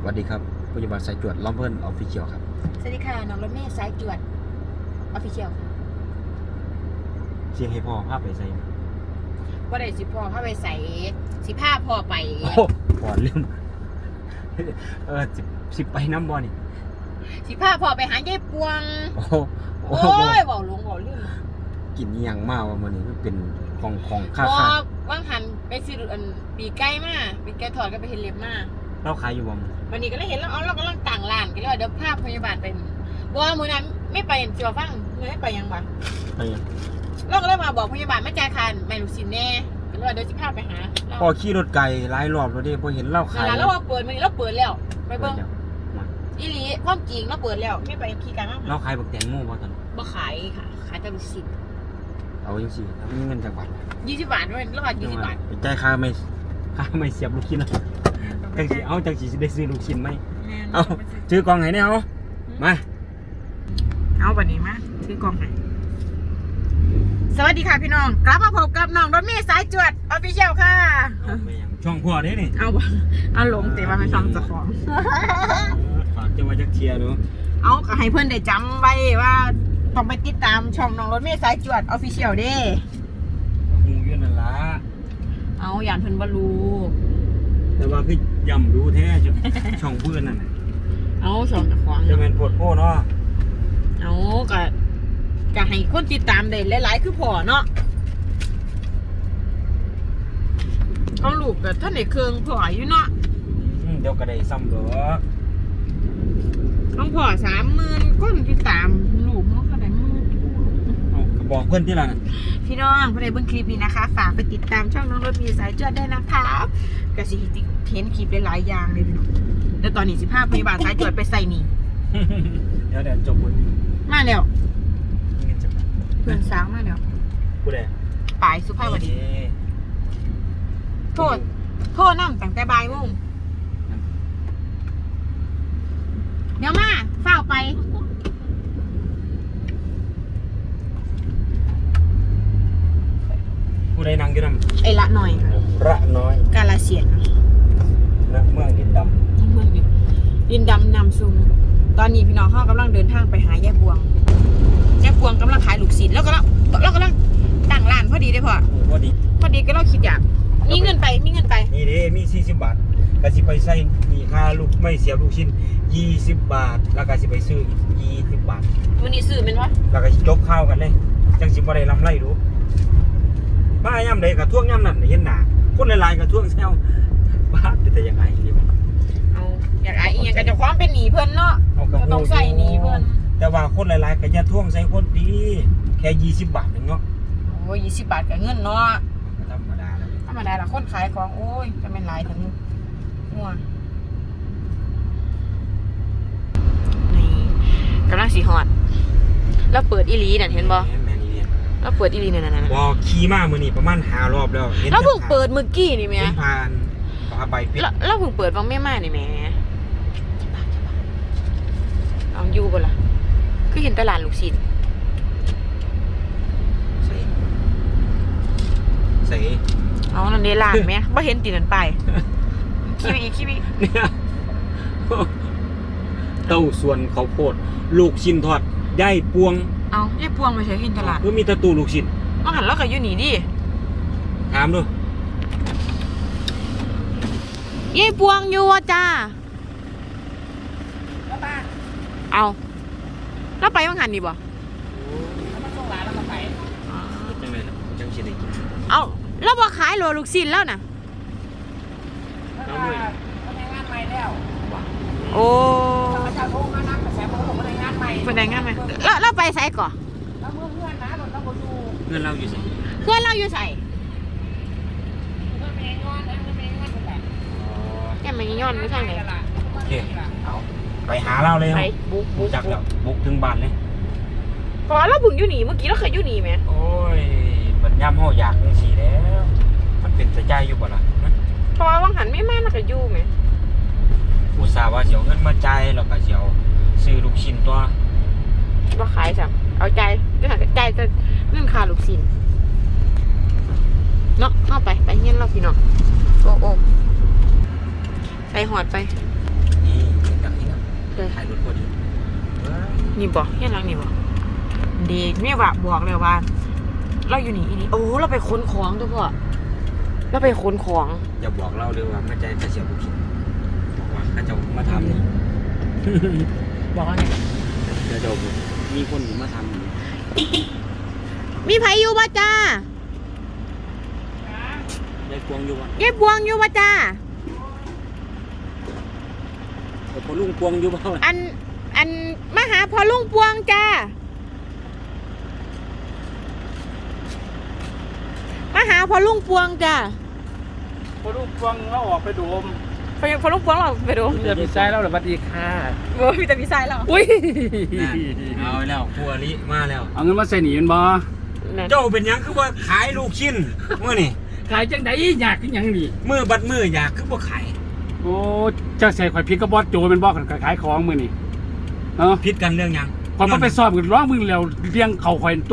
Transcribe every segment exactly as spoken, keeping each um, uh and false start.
วัสดีครับผู้จัดการสายจวดล้อมเพิ่นออฟฟิเชียลครับสวัสดีค่ะน้องรถเมย์สายจวดออฟฟิเชียลค่ะเสียงให้พ่อภาพไปใส่ว่าได้สิพ่อเข้าไปใส่สิผ้าพ่อไปโอ้พ่อลืมเออสิสิไปน้ำบอนี่สิผ้าพ่อไปหายายปวงโอ้โหโอ้ยบอกลุงบอกลืมกินยังมากว่ามันนี่มันเป็นของของค่าพอค่าว่างหันไปซื้ออันปีไก่มาปีไก่ถอดก็ไปเห็นเล็บมาเราขายอยู่บ่มวันนี้ก็เลยเห็นแล้วอ๋อเรากำลังต่างร้านกันเลยเดี๋ยวภาพพยาบาลไปว่ามือนั้นไม่ไปเจียวฟังไม่ไปยังบ่ไปยังเราก็เลยมาบอกพยาบาลไม่จ่ายคันไม่รู้สินแน่ก็เลยเดี๋ยวสิพาไปหาพ่อขี่รถไกลหลายรอบแล้วเด้พอเห็นเราขายแล้วว่าเปิดมันนี้เราเปิดแล้วไปเบิ่งเดี๋ยวมาอีหลีความจริงเราเปิดแล้วไม่ไปขี่กันมากเราขายบักแตงโมบ่ตอนบ่ขายค่ะขายแต่ลูกชิ้นเอาจังซี่ถ้ามีเงินจากบัตรยี่สิบบาทด้วยรอดยี่สิบบาทไปจ่ายค่าไม่ค่าไม่เสียบลูกชิ้นนะจังสิเอาจังสิได้ซื้อลูกชิ้นไหมเอาซื้อกล่องไหนเนี่ยเอามาเอาวันนี้มาซื้อกล่องให้สวัสดีค่ะพี่น้องกลับมาพบกับน้องรถเมย์สายจวดออฟฟิเชียลค่ะช่องพ่อเด้นี่เอาบ่เอาลงแต่ว่าไม่ช่องเจ้าของฝากจะว่าจักเชียร์เนาะเอาก็ให้เพื่อนได้จำไว้ว่าต้องไปติดตามช่องน้องรถเมย์สายจวดออฟฟิเชียลเด้หูอยู่นั่นล่ะเอาอย่างเพิ่นบ่รู้แต่ว่าคือย่ำดูแท้ช่องเพื่อนนั่นน่ะเอาช่องเจ้าของจะเป็นโพดโพเนาะเอาก็ก็ให้คนติดตามได้หลายๆคือพอเนาะของลูกก็ท่านได้เครื่องพออยู่เนาะอืมเดี๋ยวก็ได้ซ้ำดอกต้องพอสามหมื่นคนติดตามลูกเนาะขนาดมือเอาก็บอกเพื่อนที่ละนั่นพี่น้องผู้ใดเบิ่งคลิปนี้นะคะ ฝากไปติดตามช่องน้องรถมีสายจวดได้นะคะก็สิเห็นคลิปหลายๆอย่างเลยพี่น้องแล้วตอนนี้สิพาพยาบาลสายจวดไปใส่หนีเดี๋ยวเดี๋ยวจบบุญมาแล้วเงินจะมาเพื่อนสาวมาแล้วผู้ใดปายสุภาพวดีโทษโทษนั่งตั้งแต่บ่ายโมงเดี๋ยวมาเฝ้าไปผู้ใดนั่งอยู่นั่นไอ้ละหน่อยค่ะระน้อยกาลเสียนณเมืองดินดเมืองดินดินดำนำซุงตอนนี้พี่น้องเขากำลังเดินทางไปหายายบวงยายบวงกำลังขายลูกศิษย์แล้วก็แล้วแล้วกำลังตั้งร้านพอดีได้พอำพอดีพอดีก็เราคิดอยากมีเงินไปมีเงินไปนี่เด้มีสี่สิบบาทก็สิไปใส่มีค่าลูกไม่เสียบลูกชิ้นยี่สิบบาทแล้วก็สิไปซื้ออีกยี่สิบบาทวันนี้ซื้อเป็นวะแล้วก็จบข้าวกันเลยจังสิบ่ได้ลำไรรู้บ้าย่ำใดกับท่วงย่ำนั่นเห็นหนาคนหลายๆกับท่วงแซวบ้าแต่ยังไงนี่มันเอาอยากไอ้อีหยังก็จะความเป็นหนีเพิ่นเนาะเอากระก็ต้องใส่หนีเพิ่นแต่ว่าคนหลายๆก็จะท่วงใส่คนดีแค่ยี่สิบบาทนึงเนาะโอ้ยยี่สิบบาทกับเงินเนาะก็ธรรมดาแล้วธรรมดาละคนขายของโอ้ยจะเป็นหลายถึงหัวนี่กำลังสีหอดแล้วเปิดอีหลีนั่นเห็นบ่แม่นี่เนี่ยแล้วเปิดอีหลีนั่นนั่นบอขี่มามือนี่ประมาณห้ารอบแล้วห็นแล้วเพิ่งเปิดเมื่อกี้นี่แม่เห็นผ่านปลาใบปิดแล้วแล้วเพิ่งเปิดวังแม่มานี่แม่เอาอยู่บ่ล่ะคือเห็นตลาดลูกชิ้นใส่ใส่เอานั่นเดลานไหมบ่เห็นตีนั่นไปขี้ไปอีกขี้ไปอีกเนี่ยเต้าส่วนข้าวโพดลูกชิ้นทอดได้ปวงเอายายพวงไปใช้กินตลาดคือมีแตะตูลูกชิ้นมาหันแล้วก็อยู่นี่ดิถามดูยายพวงอยู่อ่ะจ้าเอาแล้วไปวังหันนี่บ่จังเลยจังสิได้กินเอาแล้วบ่ขายโลลูกชิ้นแล้วน่ะน้ำด้วยโอ้เป็นไงงานไหมแล้วเราไปไสก่อนเงินเราอยู่สิเพื่อนเราอยู่ใส่แกมันย้อนไม่ใช่ไหมโอเคเอาไปหาเราเลยไปบุกบุกจักแล้วบุกถึงบ้านเลยพอเราบุกอยู่นี่เมื่อกี้เราเคยอยู่นี่ไหมโอ้ยมันย่ำห่ออยากจังสิแล้วมันเป็นสะใจอยู่บ่ล่ะพอวังหันไม่มาเราเคยอยู่ไหมอุตส่าห์ว่าเสียวเงินมาจ่ายแล้วก็เสียวซื้อลูกชิ้นตัวว่าขายจ้ะเอาใจจะหันใจจะเรื่องคาลูกชิ้นเนาะเข้าไปไปเงี้ยเราพี่น้องโอ้โอ้ใส่หอดไปนี่ถ่ายรถพอดีนี่บอกเฮียนหลังนี่บอกดีไม่ว่าบอกเลยว่า เราอยู่นี่อีนี่โอ้เราไปค้นของตัวพ่อเราไปค้นของอย่าบอกเล่าเลยว่าไม่ใจจะเสียบุคิดบอกว่าถ้าจะมาทำนี่บอกว่าไงเดี๋ยวจะมีคนมาทำนี่มีไผอยู่บ่จ้ายายกวงอยู่วะยายบวงอยู่บ่จ้าแต่พอลุงกวงอยู่บ้างอันอันมาหาพอลุงปวงจ้ามาหาพอลุงปวงจ้าพอลูกฟังเราออกไปดูมพอพอลุงปวงเราไปดูเดี๋ยวพี่ชายเราเลยสวัสดีค่ะโอ้มีแต่พี่ชายเราอุ้ยเอาแล้วครัวลิมาแล้วเอาเงินมาใส่หนีมันบ่เจ้าเป็นหยังคือว่าขายลูกชิ้นมื่อนี่ขายจังไดอยากขึ้นยังนี่มือบัดมืออยากคือว่าขายโอ้เจ้าใส่ข่อยพริกกระบอดโจเป็นบ่กันขายของมือนี่เนาะพิดกันเรื่องหยังข่อยก็ไปสอบกันร้องมึงแล้วเลี้ยงเข่าข่อยตัว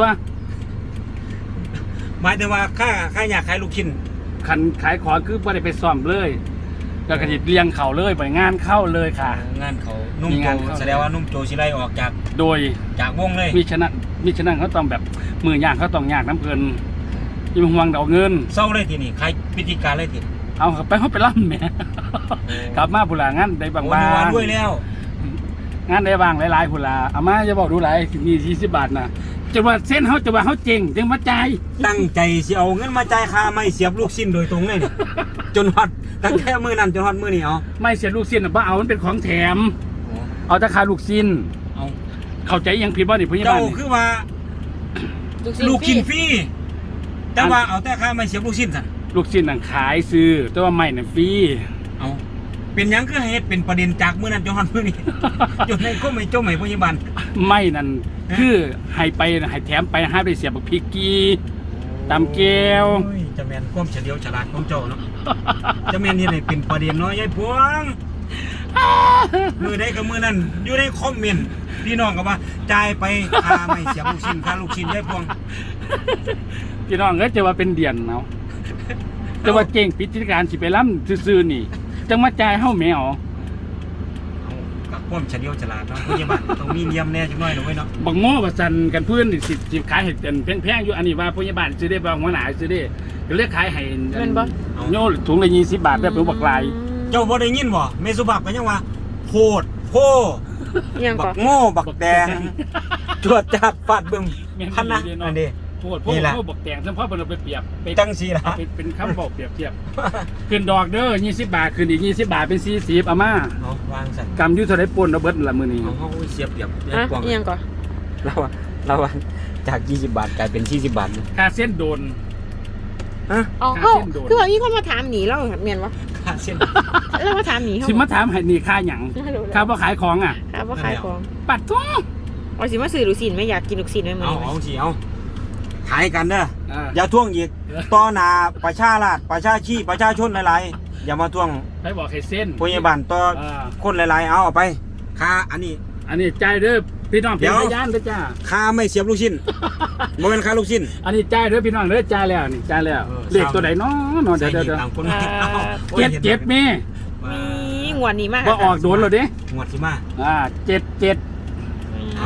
หมายถึงว่าข้าข้าอยากขายลูกชิ้นขันขายของคือบ่ได้ไปสอบเลยแล้วก็สิเลี้ยงเข่าเลยไปงานเข้าเลยค่ะงานเขานุ่มมีโจงานเข้าแสดงว่านุ่มโจสิไล่ออกจากโดยจากวงเลยมิฉะนั้นมิฉะนั้นเขาต้องแบบมือย่างเขาต้องยากน้ำเพลินยิ่งห่วงเดาเงินเศร้าเลยทีนี่ใครพิธีการเลยทีเอาไปเขาไปล่ำแหม่ กลับมาบุหลางานได้บางโอ้บายวันงด้วยแล้วงานได้บางหลายๆบุหลาเอามาจะบอกดูหลายมีสี่สิบบาทนะจะว่าเส้นเขาจะว่าเขาเจ๋งจึงมาจ่ายตั้งใจสิเอาเงินมาจ่ายค่าไม่เสียบลูกชิ้นโดยตรงเลยเนี่ยจนฮอดตั้งแต่มือนั้นจนฮอดมือนี่เอาไม่เสียลูกสิ้นบ้าเอามันเป็นของแถม เอาแต่ค่าลูกสิ้นเอาเข้าใจยังผิดบ่นี่พยาเจ้าบาลนี่คือว่าลูกชิ้นฟรีแต่ว่าเอาแต่ค่าไม่เสียบลูกชิ้นสั่นลูกสิ้นนั่งขายซื้อแต่ว่าไม่น่ะฟรีเอาเป็นหยังคือเหตุเป็นประเด็นจากมือนั้นจนฮอดมือนี่ จนในก็ไม่เจ้าใหม่พยาบาลไม่นั่นคือให้ไปให้แถมไปให้ไปเสียบักพริกกีตำแก้วโอ้ยจะแมนความเฉลียวฉลาดของเจ้าเนาะ จะแมนที่ไหนเป็นประเด็นเนาะยายพวง มือได้กับมือนั้นอยู่ในคอมเมนต์พี่น้องก็ว่าจ่ายไปค่าไม่เสียบลูกชิ้นค่าลูกชิ้นยายพวงพี่น้องก็จะว่าเป็นเดียนเนาะจะว่าเก่งพิธีการสิไปล้ำซื่อๆนี่จังมาจ่ายเฮาแมวเอากับความเฉลียวฉลาดเนาะพยาบาลต้องมีเนียมแน่จังน้อยหน่อยเนาะบักโง่บัสันกันเพื่อนนี่สิสิขายให้เป็นแพงๆอยู่อันนี้ว่าพยาบาลซื้อได้บางหัวหน้าซื้อได้ก็เรียกขายให้เงินบ่โย่ถุงละยี่สิบบาทได้เป็นบักลายเจ้าบ่ได้ยินบ่เมสุบักก็ยังว่าโพดโพยังบัก่อกโง่บักแดงจวดจัดฟาดบึ้มพันนะอันนี้โพดโพดโพดบักแตงซึ่งพ่อเป็นเอาไปเปรียบไปจังสีล่ะเอาไปเป็นคำบอกเปรียบเทียบขึ้นดอกเด้อยี่สิบบาทขึ้นอีกยี่สิบบาทเป็นสี่สิบอาม่าเอาวางสั่นกำอยุ่เท่าไรปนเอาเบิดละมือนี้เอาเฮาเสียบเปรียบยายฮะพวงยังก่อเราอะเราอะจากยี่สิบบาทกลายเป็นสี่สิบบาทนะค่าเส้นโดนฮะอ๋อค่าเขาเส้นโดนคือว่ามีคนมาถามหนีเราเมียนวะค่าเส้นแล้วมาถามหนีเขาสิมาถามให้นี่ค่าหยังไม่รู้ค่าพ่อขายของอ่ะครับว่าขายของปัดท้องเอาสิมาซื้อลูกศิลป์ไม่อยากกินลูกศิลป์ไม่เหมือนเอาเอาสิเอาขายกันเด้ออ่าอย่าท่วงอีกต่อหน้าประชาราษฎร์ประชาชีประชาชนหลายๆอย่ามาท่วงไปบอกให้เส้นพยาบาลต่ออ่าคนหลายๆเอาเอาไปค่าอันนี้อันนี้จ่ายเด้อพี่น้องเดี๋เป็นยวพยานเด้อจ้าค่าไม่เสียบลูกชิ้นบ่เป็นค่าลูกชิ้นอันนี้จ่ายเด้อพี่น้องเด้อจ่ายแล้วนี่จ่ายแล้วเออเลขตัวไหนเนาะเนาะเดี๋ยวเดี๋ยวเดี๋ยวต่างคนเอาโอ้ยเจ็ดเจ็ดแม่มีงวดนี้มากว่าออกโดนแล้วเด้งวดสิมาอ่าเจ็ดเจ็ดเอา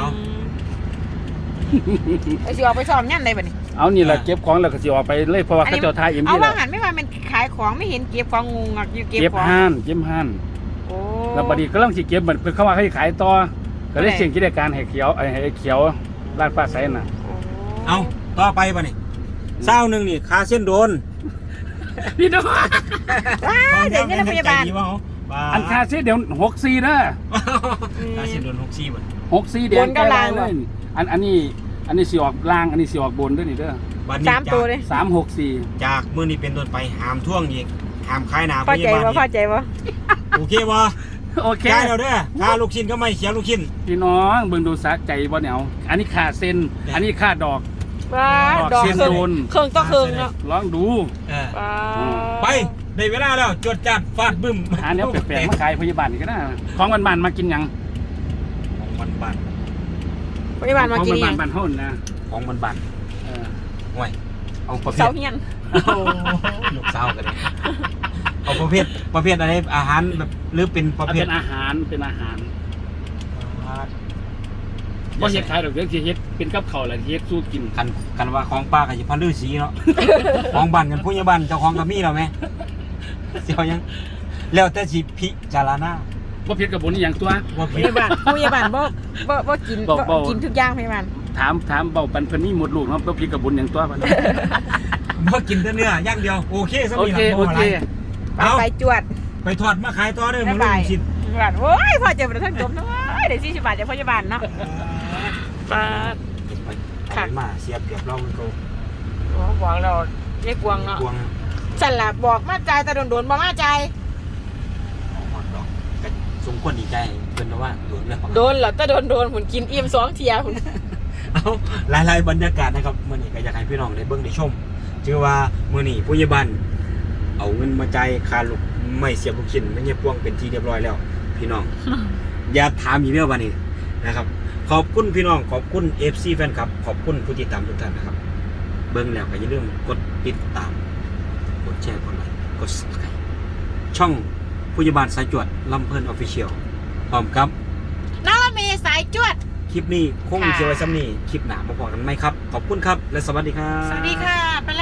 ไอ้สิออกไปสอบยันได้ป่ะนี่เอานี่แหละเก็บของแล้วก็สิออกไปเลยเพราะว่าเขาเจ้าทายเอ็มเอาดีแหว่าละหันไม่ว่ามันขายของไม่เห็นเก็บของงงอ่ะอยู่เก็บเก็บของห้านเก็บห้านโอ้แล้วบัดนี้ก็ต้องสิเก็บเหมือนเขาว่าให้ขายต่อก็เลยเสี่ยงกิจการให้เขียวไอ้ให้เขียวลาดฟ้าใสน่ะเอาต่อไปป่ะนี่เศร้าหนึ่งนี่ค่าเส้นโดนพี่น้องว้าเดี๋ยวนี้พยาบาลใจดีวะเออันค่าเสียเดี๋ยวหกสี่เด้อค่าเส้นโดนหกสี่บ่หกสี่เดี๋ยวใกล้เลยอันอันนี้อันนี้สิออกล่างอันนี้สิออกบนด้วยนี่เด้อบัดนี้สามตัวเลยสามหกสี่จากมื้อนี้เป็นต้นไปห้ามท่วงอีกห้ามขายหน้าพอพใจยาบาลวะพออีกใจวะโอเคบ่โอเคได้แล้วเด้อค่าลูกชิ้นก็ไม่เสียลูกชิ้นพี่น้องเบิ่งดูสะใจบ่เนี่ยเอาอันนี้ค่าเส้นอันนี้ค่าดอกว้าดอกเสียงเครื่องโดนเครื่องต่อเครื่องเนาะลองดูเออว้าไปได้เวลาแล้วจดจัดฟาดบึ้มหาแนวแปลกๆมาขายพยาบาลนี่ก็ได้ของบ้านๆมากินหยังของมันบานพยาบาลมากินของยังบ้านๆเฮานี่นะของมันบานเออห่วยเอาประเภเสาทเฮียนลูกสาวกันเลยเอาประเภทประเภทอะไรอาหารแบบหรือเป็นประเอาเภทเป็นอาหารเป็นอาหารบ่เฮ็ดขายดอกเดี๋ยวสิเฮ็ดเป็นกับข้าวแล้วสิเฮ็ดสู้กินคันคันว่าของป้าก็สิพันฤาษีเนาะ ของบ้านกันผู้ใหญ่บ้านเจ้าของก็มีแล้วแม่สิเอายังแล้วแต่สิพิจารณาบ่ผิดกับบ่นี่หยังตัวว่าพผิดยาบาลผู้พยาบาลบ่บ่บ่กินบ่บ่บ่กินทุกอย่างพยาบาลถามถามเบาปันเพิ่นมีหมดลูกเนาะบ่ผิดกับบุญหยังตัวมันบ่กินแต่เนื้อย่างเดียวโอเคซะโอมีเคหลังโอบ่อะไรเคไปเอาไปจวดไปทอดมาขายต่อเด้อบ๊ามื้ยอบายนี้สิพยาบาลโอ้ยพอเจอประทันจบนะเว้ยเดี๋ยวสี่สิบบาทจากพยาบาลเนาะปาดไปเอาไปมาเสียเปรียบเรามันก็โอ้บอกเราเรียกวงเนาะกวงฉันล่ะบอกมาใจายแต่โดนๆบ่มาใจายเอาหอดดอกก็สมควรดีใจเพิ่นว่าโดนแล้วโดนเหรอแต่โดนๆหุ่นกินอิ่มสองเทียหุ่นเอาหลายๆบรรยากาศนะครับมื้อนี้ก็อยากให้พี่น้องได้เบิ่งได้ชมชื่อว่ามื้อนี้ผู้ใหญ่บ้านเอาเงินมาจ่ายค่าลูกไม่เสียบลูกชิ้นไม่เงียบพวงเป็นที่เรียบร้อยแล้ว พี่น้อง อย่าถามอีกเรื่องวันนี้นะครับ ขอบคุณพี่น้องขอบคุณ เอฟ ซี แฟนคลับ ขอบคุณผู้ติดตามทุกท่านนะครับ เบิ่งแล้วก็อย่าลืมกดติดตาม กดแชร์กดไลค์กด Subscribe ช่องผู้ใหญ่บ้านสายจวดลำเพิ่นออฟฟิเชียลพร้อมครับน้องละเมสายจวดคลิปนี้คงค่ะเชียวไว้ซ้ำนี้คลิปหนามาพอกันไหมครับ ขอบคุณครับ และสวัสดีครับสวัสดีค่ะไป